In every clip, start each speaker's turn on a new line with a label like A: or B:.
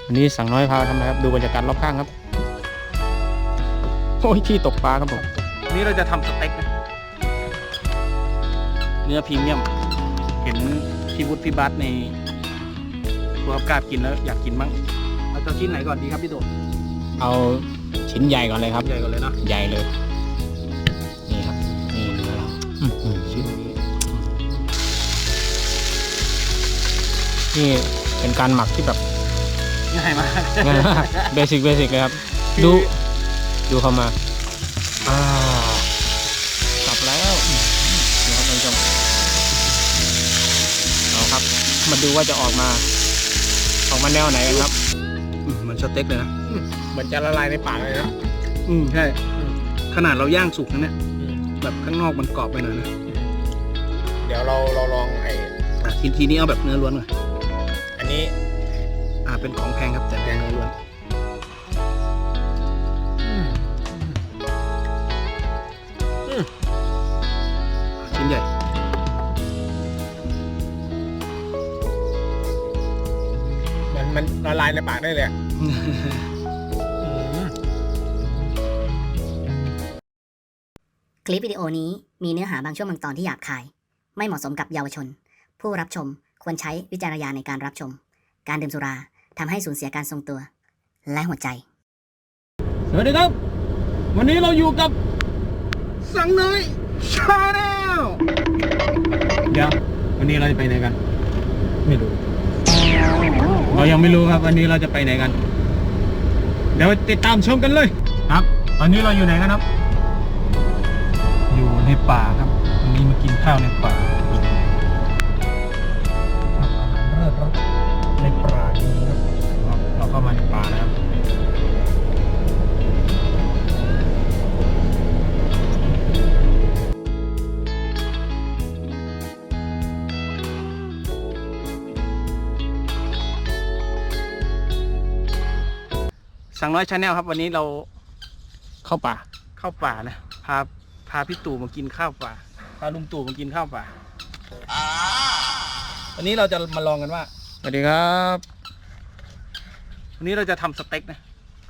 A: วันนี้สั่งน้อยพาทำอะไรครับดูบรรยากาศรอบข้างครับโอ้ยที่ตกปลาครับผม
B: วันนี้เราจะทำสเต็กนะเนื้อพรีเมียมเห็นพี่วุฒิพี่บัสในครัวกล้ากินแล้วอยากกินบ้างเราจะชิ้นไหนก่อนดีครับพี่โดด
A: เอาชิ้นใหญ่ก่อนเลยครับ
B: ใหญ่ก่อนเลยนะ
A: ใหญ่เลยนี่ครับนี่เนื้อเรา
B: ชิ้นนี้
A: นี่เป็นการหมักที่แบบ
B: ง่ายมาก
A: ง่ายมากเบสิกเลยครับดูเข้ามาจับแล้วนะครับท่านผู้ชมเอาครับมาดูว่าจะออกมาแนวไหนกันครับ
B: เหมือนสเต็กเลยนะ
A: เหมือนจะละลายในปากเลยนะ
B: ใช่ขนาดเราย่างสุกนะเนี่ยแบบข้างนอกมันกรอบไปหน่อยนะ
A: เดี๋ยวเราลอง
B: ทีนี้เอาแบบเนื้อล้วนหน่อย
A: อันนี้
B: เป็นของแพงครับแต่แพงเนื้อล้วนชิ้นใหญ่
A: มันละลายในปากได้เลย
C: คลิปวิดีโอนี้มีเนื้อหาบางช่วงบางตอนที่หยาบคายไม่เหมาะสมกับเยาวชนผู้รับชมควรใช้วิจารณญาณในการรับชมการดื่มสุราทำให้สูญเสียการทรงตัวและหัวใจ
B: สวัสดีครับวันนี้เราอยู่กับสังน้อยชาแนลเดี๋ยววันนี้เราจะไปไหนกันไม่รู้เรายังไม่รู้ครับวันนี้เราจะไปไหนกันเดี๋ยวติดตามชมกันเลยครับวันนี้เราอยู่ไหนกันครับอยู่ในป่าครับวันนี้มากินข้าวในป่าเลิศรสในป่านี้ครับเราเข้ามาในป่านะครับสั่งน้อยชาแนลครับวันนี้เรา
A: เข้าป่า
B: นะพาพี่ตู่มากินข้าวป่าพาลุงตู่มากินข้าวป่าวันนี้เราจะมาลองกันว่า
A: สวัสดีครับ
B: วันนี้เราจะทำสเต็กนะ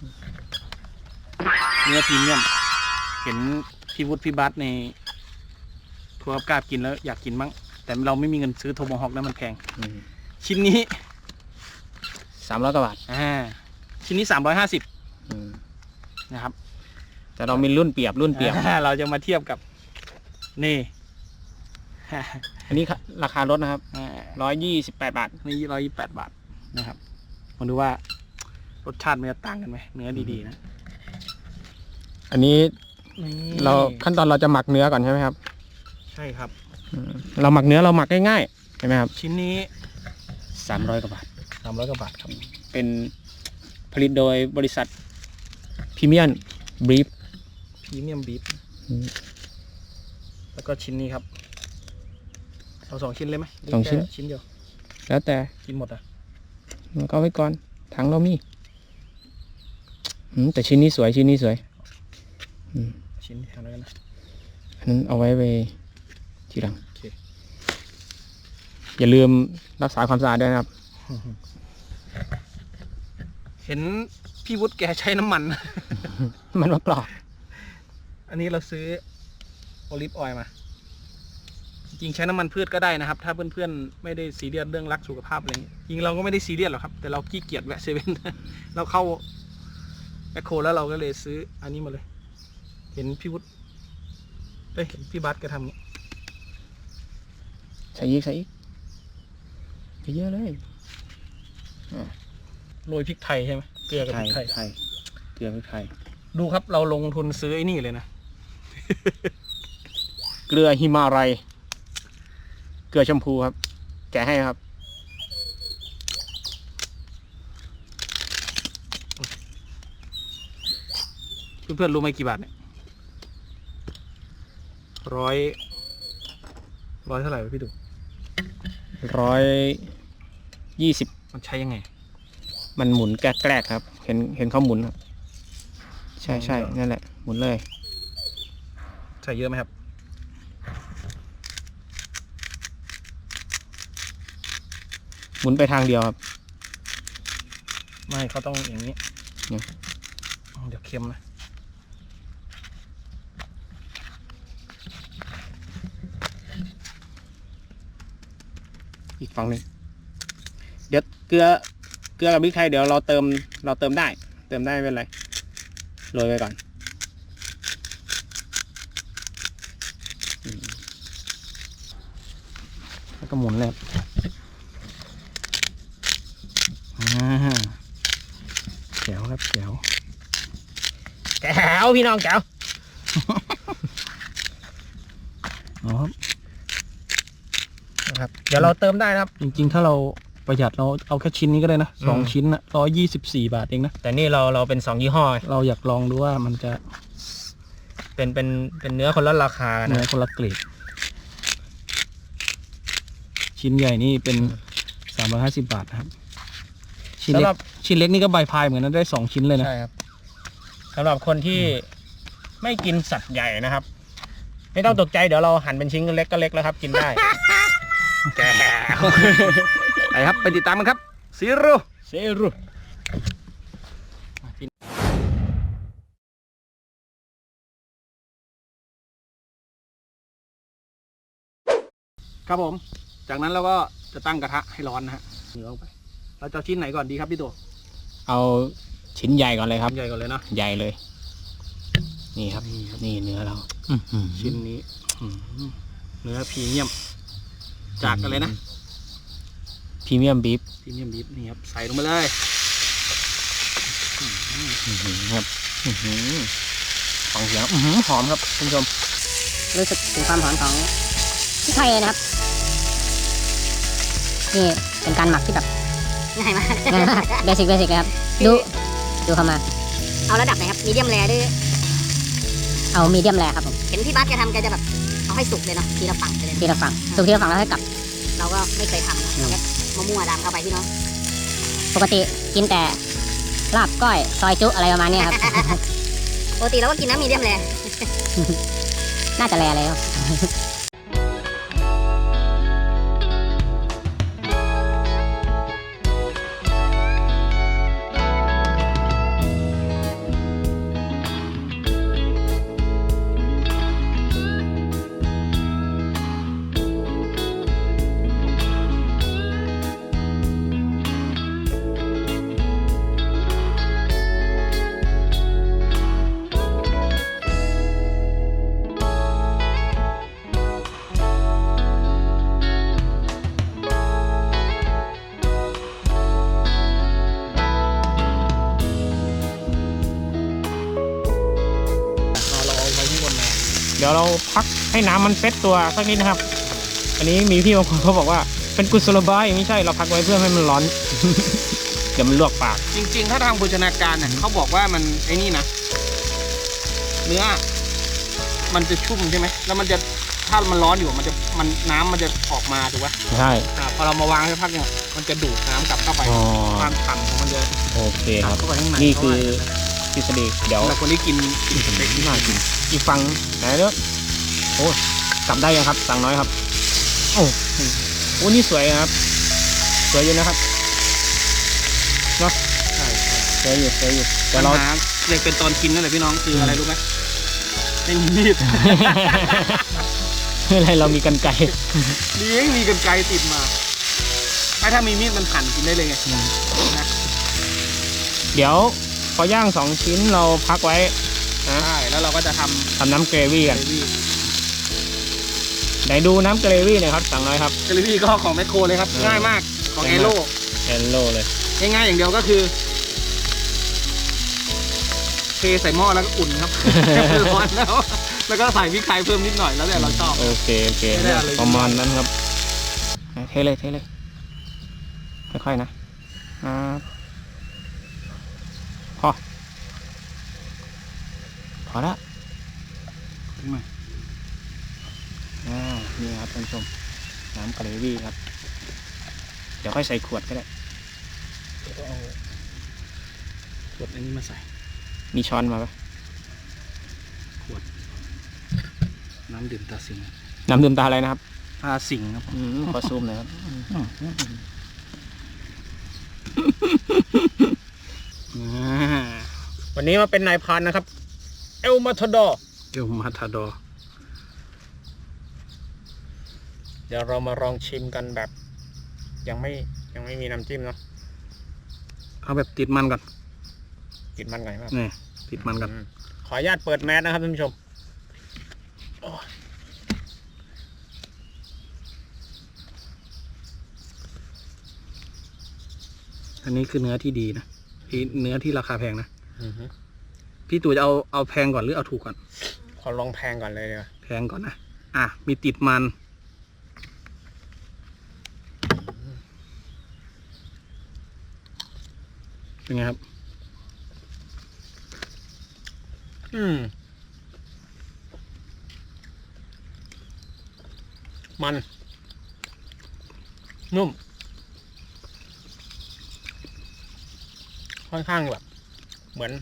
B: เนื้อพรีเมียมเห็นพี่วุฒิพี่บัสในครัวกล้ากินแล้วอยากกินบ้างแต่เราไม่มีเงินซื้อโทโมฮอคนะมันแพงชิ้นนี้
A: 300 กว่าบาท
B: ชิ้นนี้350นะครับ
A: แต่เรามีรุ่นเปรียบ
B: เราจะมาเทียบกับนี่
A: อันนี้ราคาลดนะครับ128 บาท
B: นี่128 บาทนะครับมาดูว่ารสชาติมันจะต่างกันไหมเนื้อดีๆนะ
A: อันนี้เราขั้นตอนเราจะหมักเนื้อก่อนใช่ไหมครับ
B: ใช่ครับ
A: เราหมักเนื้อเราหมักง่ายๆใช่ไหมครับ
B: ชิ้นนี้
A: 300 กว่าบาท
B: ครับ
A: เป็นผลิตโดยบริษัทพรีเมียมบีฟ
B: แล้วก็ชิ้นนี้ครับเอา2 ชิ้นเลยไหม
A: 2 ชิ้น
B: เดียว
A: แล้วแต่
B: กินหมดอ่ะ
A: ก็ไว้ก่อนถังเรามีแต่ชิ้นนี้สวยชิ้น
B: ทำอะไรกันนะ
A: อันนั้นเอาไว้ทีหลังอย่าลืมรักษาความสะอาดด้วยนะครับ
B: เห็นพี่วุฒิแกใช้น้ำมัน
A: มากรอก
B: อันนี้เราซื้อโอลิฟออยล์มาจริงใช้น้ำมันพืชก็ได้นะครับถ้าเพื่อนๆไม่ได้ซีเรียสเรื่องรักสุขภาพอะไรอย่างนี้จริงเราก็ไม่ได้ซีเรียสหรอกครับแต่เราขี้เกียจแวะเซเว่นเราเข้าแมคโครแล้วเราก็เลยซื้ออันนี้มาเลยเห็นพี่วุฒิเห็นพี่บัสแกทำนี้
A: ใส่อีกเยอะเลย
B: โรยพริกไทยใช่ไหมเกลือกับพริกไทยดูครับเราลงทุนซื้อไอ้นี่เลยนะ
A: เกลือหิมาลัยเกลือชมพูครับแกะให้ครับ
B: เพื่อนๆรู้ไหมกี่บาทเนี่ยร้อยเท่าไหร่พี่ดู
A: 120
B: มันใช้ยังไง
A: มันหมุนแกล้ๆครับเห็นเขาหมุนครับใช่นั่นแหละหมุนเลย
B: ใส่เยอะไหมครับ
A: หมุนไปทางเดียวครับ
B: ไม่เขาต้องอย่างนี้
A: เนี่ย
B: เดี๋ยวเค็มนะ
A: อีกฝั่งหนึ่งเดี๋ยวเกลือกับพริกไทยเดี๋ยวเราเติมได้ ไม่เป็นไรโรยไปก่อนแล้วก็หมุนเลยแจ๋วครับแจ๋วพี่น้องแจ๋ว
B: อ๋อ
A: นะครับเดี๋ยวเราเติมได้นะครับ
B: จริงๆถ้าเราประหยัดเราเอาแค่ชิ้นนี้ก็ได้นะ2 ชิ้นนะ124 บาทเองนะ
A: แต่นี่เราเป็น2ยี่ห้อ
B: เราอยากลองดูว่ามันจะ
A: เป็นเนื้อคนละราคา
B: เนื้อ
A: นะ
B: คนละเกรดชิ้นใหญ่นี่เป็น350 บาทนะครับชิ้นเล็กนี่ก็ใบพายเหมือนกันนะได้2 ชิ้นเลยนะ
A: ใช่ครับสำหรับคนที่ไม่กินสัตว์ใหญ่นะครับ ไม่ต้องตกใจเดี๋ยวเราหั่นเป็นชิ้นเล็กก็เล็กแล้วครับ กินได้ แก้ว
B: ไปครับไปติดตามกันครับซีโร่ ครับผมจากนั้นเราก็จะตั้งกระทะให้ร้อนนะฮะเนื้อลงไปเราจะเอาชิ้นไหนก่อนดีครับพี่ตัว
A: เอาชิ้นใหญ่ก่อนเลยครับ
B: ชิ้นใหญ่ก่อนเลยเนาะ
A: ใหญ่เลย นี่ครับ นี่เนื้อเรา
B: ชิ้นนี้เนื้อพรีเมียมจากอะไรนะ
A: พรีเมียมบีฟ
B: พรีเมียมบีฟนี่ครับใส่ลงไปเลย
A: ครับฟังเสียงหอมครับคุณผู้ชม
C: รู้สึกถึงความหอมของพริกไทยเลยนะครับ นี่เป็นการหมักที่แบบง่ายมากเบสิกเลยครับ ดูเข้ามา เอาระดับไหนครับมีเดียมแรร์ด้วยเอามีเดียมแรร์ครับผมเห็นพี่บัสแกทำแกจะแบบเอาให้สุกเลยเนาะทีละฝั่งไปเลยทีละฝั่งสุกทีละฝั่งแล้วให้กลับ เราก็ไม่เคยทำเราแค่มั่วๆดำเข้าไปพี่น้องปกติกินแต่ลาบก้อยซอยจุอะไรประมาณนี้ครับ ปกติเราก็กินน้ำมีเดียมแรร์ น่าจะแรร์เลยครับ
B: เราเอาไว้ที่บนมา
A: เดี๋ยวเราพักให้น้ำมันเซตตัวสักนิดนะครับ อันนี้มีพี่บางคนเขาบอกว่าเป็นกุศโลบายไม่ใช่เราพักไว้เพื่อให้มันร้อน เดี๋ยวมันลวกปาก
B: จริงๆถ้าทางโภชนาการเนี่ยเขาบอกว่ามันไอ้นี่นะเนื้อมันจะชุ่มใช่ไหมแล้วมันจะถ้ามันร้อนอยู่มันน้ำมันจะออกมาถูกปะ
A: ใช่
B: พอเรามาวางสักพักเนี่ยมันจะดูดน้ำกลับเข้าไป
A: อ๋อ
B: ความฉ่ำของมันจะ
A: โอเค
B: ก
A: ค
B: ลั
A: รั
B: บบ เข้าไปข้างใน
A: นี่คือทฤษฎีเดี๋ยว
B: สำหรับคนที่กินสเต็กนี่
A: น่ากินอีกฝั่งไหนเนาะโอ้กลับได้ยังครับสั่งน้อยครับโอ้โหนี่สวยครับสวยอยู่นะครับเนาะ
B: ใช่
A: สวยอยู่แต่
B: แต่
A: เรา
B: เราเรียกเป็นตอนกินนั่นแหละพี่น้องคืออะไรรู้ไหมไม่มีมีด
A: อะไรเรามีกันไกร
B: นี่มีกันไกรติดมาถ้ามีมีดมันหั่นกินได้เลยไงนะ
A: เดี๋ยวพอย่าง2 ชิ้นเราพักไว้นะ
B: ใช่แล้วเราก็จะท
A: ทำน้ำเกรวี่
B: ำเก
A: กัน
B: รวี่
A: ไหนดูน้ำเกรวี่หน่อยครับสั่งน้อยครับ
B: เกรวี่ก็ของแมคโครเลยครับง่ายมากของเอโร่
A: เอลโลเลย
B: ง่ายๆอย่างเดียวก็คือเทใส่หม้อแล้วก็อุ่นครับ ร้อนแล้วก็ใส่พริกไทยเพิ่มนิดหน่อยแล้วแต่เราชอบ
A: โอเค
B: ไม่ได้อะไร
A: ประมาณนั้นครับเทเลยค่อยๆนะพอละนี่ครับท่านผู้ชมน้ำเกรวี่ครับเดี๋ยวค่อยใส่ขวดก็ได้
B: เอาขวดอันนี้มาใส่
A: มีช้อนมาปะ
B: น้ำดื่มตาสิง
A: น้ำดื่มตาอะไรนะครับ
B: ตาสิงครับ
A: ขอซูมหน่อยครับวันนี้มาเป็นนายพรานนะครับเอลมาทาดอร์
B: เอลมาทาดอร์
A: เดี๋ยวเรามาลองชิมกันแบบยังไม่มีน้ำจิ้มเนาะ
B: เอาแบบติดมันก่อน
A: กินมันไงครับ
B: นี่ติดมันก่อน
A: ขออนุญาตเปิดแมสนะครับท่านผู้ชมโอ้ย
B: อันนี้คือเนื้อที่ดีนะเนื้อที่ราคาแพงนะ
A: อื้อหือ
B: พี่ตู่จะเอาแพงก่อนหรือเอาถูกก่อน
A: ขอลองแพงก่อนเลยดีกว่า
B: แพงก่อนนะมีติดมันเป็นไงครับ
A: มันนุ่มค่อนข้างแบบเหมือน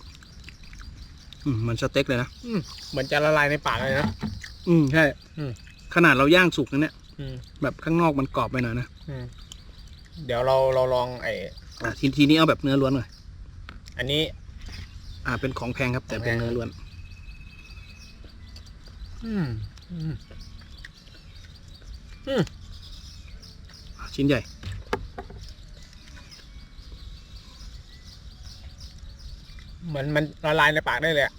B: มันสเต็กเลยนะ
A: เหมือนจะละลายในปากเลยนะ
B: ใช่ ขนาดเราย่างสุกนะเนี่ย
A: อืม
B: แบบข้างนอกมันกรอบไปหน่อยนะ
A: เดี๋ยวเราลอง
B: ทีนี้เอาแบบเนื้อล้วนหน่อย
A: อันนี้
B: เป็นของแพงครับ แต่เป็นเนื้อล้วน ชิ้นใหญ่
A: เหมือนมันละลายในปากได้เลยอ่ะ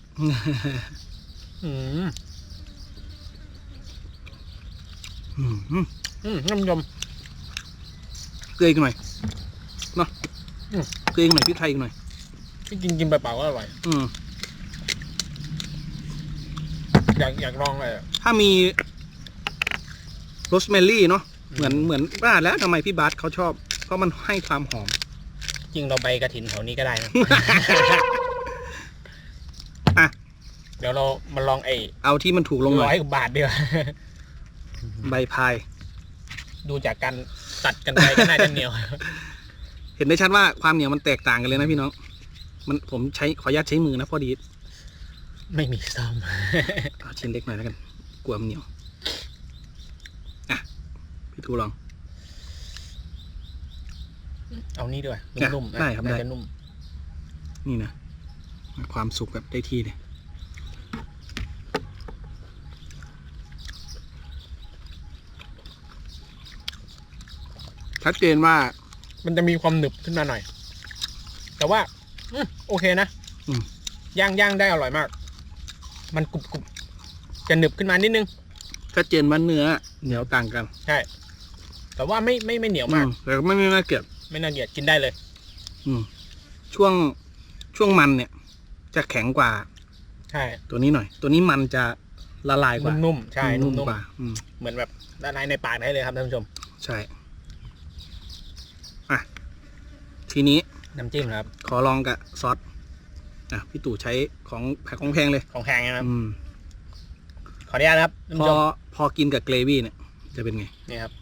A: น้ำยม
B: เกลืออีกหน่อยเนาะเกลืออีกหน่อยพริกไทยอีกหน่อย
A: ที่กินไปเปล่าก็อร่อยอยากลองเลย
B: ถ้ามีโรสแมรี่เนาะเหมือนว่าแล้วทำไมพี่บาสเขาชอบ เพราะมันให้ความหอม
A: จริงเราไปกระถินแถวนี้ก็ได้นะ เดี๋ยวเรามาลอง
B: เอาที่มันถูกลงหน่อย
A: 100 บาทดีกว่า
B: ใบพาย
A: ดูจากการตัดกันไปก็น่าจะเหนียว
B: เห็นได้ชัดว่าความเหนียวมันแตกต่างกันเลยนะพี่น้องผมขออนุญาตใช้มือนะพอดี
A: ไม่มีซ่อม
B: เอาชิ้นเล็กหน่อยแล้วกันกลัวมันเหนียวพี่ทูลอง
A: เอานี่ด้วยนุ่มๆ
B: ได้ครับได้
A: น่าจะนุ่ม
B: นี่นะความสุกแบบได้ที่เลยชัดเจนว่า
A: มันจะมีความหนึบขึ้นมาหน่อย แต่ว่าโอเคนะย่างได้อร่อยมาก มันกรุบจะหนึบขึ้นมานิดนึง
B: ชัดเจนว่าเนื้อเหนียวต่างกัน
A: ใช่ แต่ว่าไม่เหนียวมาก
B: แต่ก็ไม่น่าเกลียด
A: ไม่น่าเกลียดกินได้เลย
B: ช่วงมันเนี่ย จะแข็งกว่า
A: ใช่
B: ตัวนี้หน่อย ตัวนี้มันจะละลายกว่า
A: นุ่มๆใช่นุ่ม
B: กว่า
A: เหมือนแบบละลายในปากได้เลยครับท่านผู้ชม
B: ใช่ทีนี้
A: น้ำจิ้มครับ
B: ขอลองกับซอสพี่ตู่ใช้ของแพงเลย
A: ของแพงนะครับขออนุญาตนะครับท่านผู้ชม
B: พอกินกับเกรวี่เนี่ยจะเป็นไง
A: นี่ครับ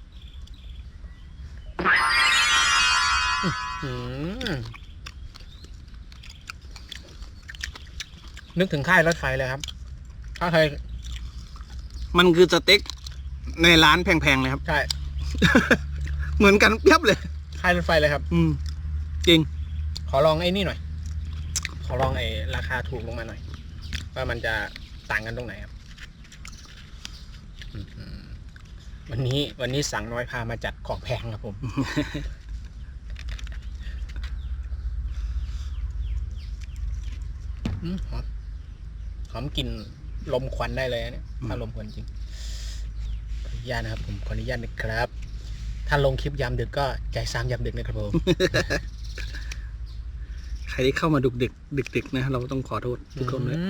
A: นึกถึงค่ายรถไฟเลยครับถ้าใคร
B: มันคือสเต็กในร้านแพงๆเลยครับ
A: ใช่
B: เหมือนกันเพียบเลย
A: ค่ายรถไฟเลยครับ
B: จริง
A: ขอลองไอ้นี่หน่อย ขอลองราคาถูกลงมาหน่อยว่ามันจะต่างกันตรงไหนครับวันนี้สั่งน้อยพามาจัดของแพงครับผม หอมกลิ่นลมควันได้เลยเนี่ยถ้าลมควันจริงขออนุญาตนะครับผมขออนุญาตนะครับ ถ้าลงคลิปยามดึกก็ใจซ้ำยามดึกนะครับผม
B: ใครที่เข้ามาดึกนะเราต้องขอโทษทุกคนเลย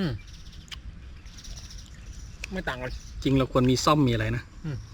A: ไม่ต่างกัน
B: จริงเราควรมีซ่อมมีอะไรนะ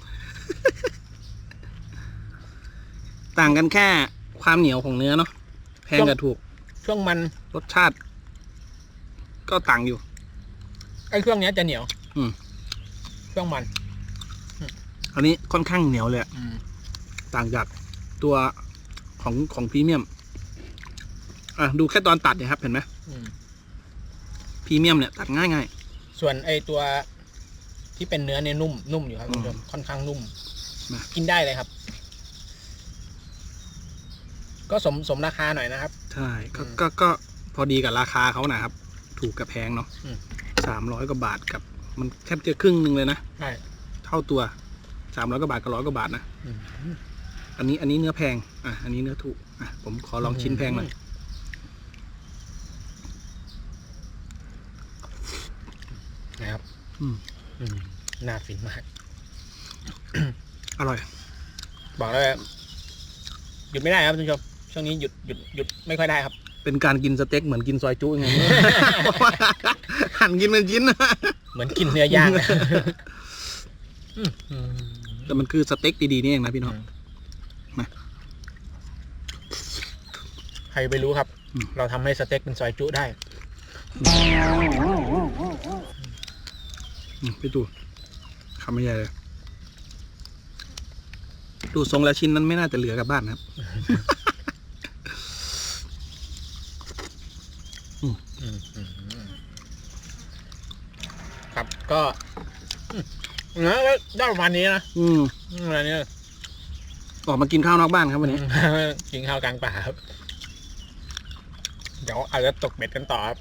B: ต่างกันแค่ความเหนียวของเนื้อเนาะแพงกับถูก
A: ช่วงมัน
B: รสชาติ ก็ต่างอยู่
A: ไอ้เครื่องนี้จะเหนียวช่วงมัน
B: อันนี้ค่อนข้างเหนียวเลยต่างจากตัวของพรีเมียมดูแค่ตอนตัดเนี่ยครับเห็นไหมพรีเมียมเนี่ยตัดง่าย
A: ส่วนไอ้ตัวที่เป็นเนื้อเนี่ยนุ่มอยู่ครับคุณผู้ชมค่อนข้างนุ่มกินได้เลยครับ ก็สมราคาหน่อยนะครับ
B: ใช่ก็พอดีกับราคาเขานะครับ ถูกกับแพงเนาะ300 กว่าบาทกับมันแทบจะครึ่งหนึ่งเลยนะ
A: ใช่
B: เท่าตัว300 กว่าบาทกับ100 กว่าบาทนะอันนี้เนื้อแพงอันนี้เนื้อถูกผมขอลองชิ้นแพงหน่อย
A: นะครับน่าฟินมาก
B: อร่อย
A: บอกเลยหยุดไม่ได้ครับท่านผู้ชมช่วงนี้หยุดไม่ค่อยได้ครับ
B: เป็นการกินสเต็กเหมือนกินซอยจุ้ยังไง หั่นกินเป็นชิ้น
A: เหมือนกินเนื้อย่างนะ
B: แต่มันคือสเต็กดีๆนี่เองนะพี่น้อง
A: ใครไปรู้ครับ เราทำให้สเต็กเป็นซอยจุได้
B: พี่ตู่คำไม่ใหญ่เลยดูทรงแล้วชิ้นนั้นไม่น่าจะเหลือกลับบ้านนะครับ
A: ครับก็ได้ประมาณนี้นะประมาณนี้
B: ออกมากินข้าวนอกบ้านครับวันนี้
A: กินข้าวกลางป่าครับเดี๋ยวอาจจะตกเบ็ดกันต่อครับ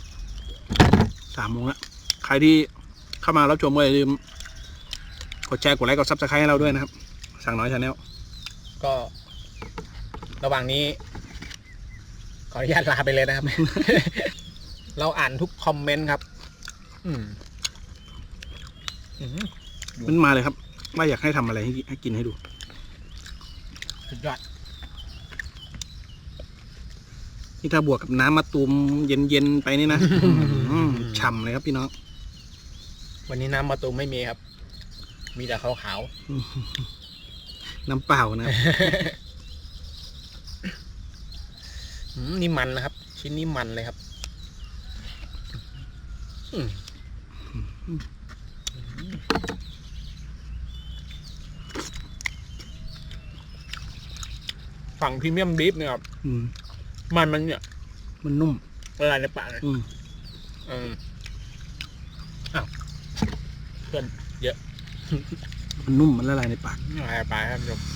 B: 3 โมงแล้วใครที่เข้ามารับชมก็อย่าลืมกดแชร์กดไลค์กดซับสไครต์ให้เราด้วยนะครับสั่งน้อยชาแนล
A: ก็ระหว่างนี้ขออนุญาตลาไปเลยนะครับ เราอ่านทุกคอมเมนต์ครับ
B: มันมาเลยครับว่าอยากให้ทำอะไรให้กินให้ดู
A: สุดยอด
B: นี่ถ้าบวกกับน้ำมะตูมเย็นๆไปนี่นะ ฉ่ำเลยครับพี่น้อง
A: วันนี้น้ำมะตูมไม่มีครับ มีแต่ขาว
B: น้ำเปล่านะครับ
A: ๆนี่มันนะครับ ชิ้นนี้มันเลยครับฝั่งพรีเมียมบีฟเนี่ยครับมันเนี่ย
B: มันนุ่ม
A: ละลายในปากเลยอ้าวเพื่อนเยอะ
B: มันนุ่มมันละลายในปาก
A: ละลายในปากครับผม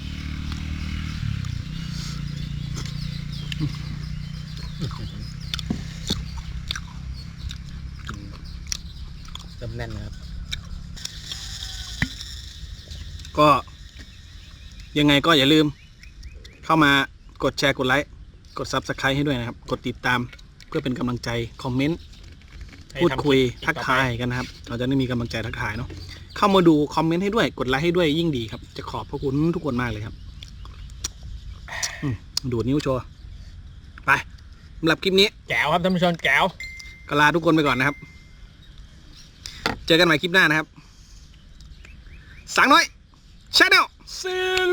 A: เริ่มแน่นนะครับ
B: ก็ยังไงก็อย่าลืม เข้ามากดแชร์กดไลค์กด Subscribe ให้ด้วยนะครับ กดติดตามเพื่อเป็นกำลังใจคอมเมนต์พูดคุยทักทายกันนะครับ เราจะได้มีกำลังใจทักทายเนาะเข้ามาดูคอมเมนต์ให้ด้วยกดไลค์ให้ด้วยยิ่งดีครับจะขอบพระคุณทุกคนมากเลยครับดูดนิ้วโชว์ไปสำหรับคลิปนี้
A: แก้วครับท่านผู้ชมแก้ว
B: ก็ลาทุกคนไปก่อนนะครับ เจอกันใหม่คลิปหน้านะครับสังน้อยชาแนล
A: See you